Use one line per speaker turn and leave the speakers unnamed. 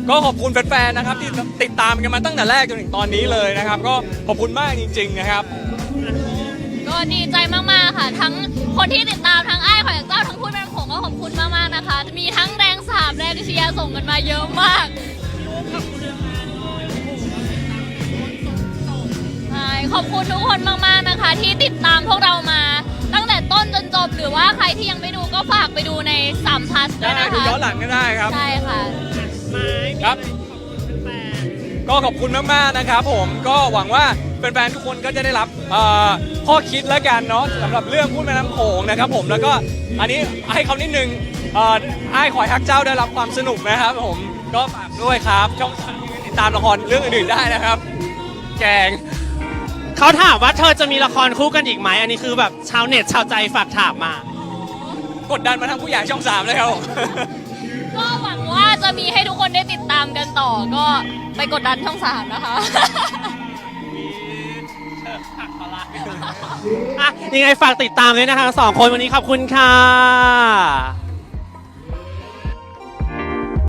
ก็ขอบคุณแฟนๆนะครับที่ติดตามกันมาตั้งแต่แรกจนถึงตอนนี้เลยนะครับก็ขอบคุณมากจริงๆนะครับ
ก็ดีใจมากๆค่ะทั้งคนที่ติดตามทั้งไอ้ขอยากเจ้าทั้งพูดเป็นผมก็ขอบคุณมากๆนะคะมีทั้งแรง3แรงเชียร์ส่งกันมาเยอะมากขอบคุณทุกคนมากๆนะคะที่ติดตามพวกเรามาตั้งแต่ต้นจนจบหรือว่าใครที่ยังไม่ดูก็ฝากไปดูใน3 plus ด้วยนะคะ
ดูย้อนหลังก็ได้ครับ
ใช่ค่ะ
ครับก็ขอบคุณมากๆนะครับผมก็หวังว่าแฟนๆทุกคนก็จะได้รับข้อคิดแล้วกันเนาะสำหรับเรื่องพูดแม่น้ำโขงนะครับผมแล้วก็อันนี้ให้เขานิดนึงไอ้ขอยฮักเจ้าได้รับความสนุกนะครับผมก็ฝากด้วยครับช่องติดตามละครเรื่องอื่นๆได้นะครับแกง
เขาถามว่าเธอจะมีละครคู่กันอีกไหมอันนี้คือแบบชาวเน็ตชาวใจฝากถามมาก
ดดันมาทั้งผู้ใหญ่ช่อง3เลยครับ
ก็หวังว่าจะมีให้ทุกคนได้ติดตามกันต่อก็ไปกดดันช่อง3นะคะ
ยังไงฝากติดตามเลยนะคะ2 คนวันนี้ขอบคุณค่ะ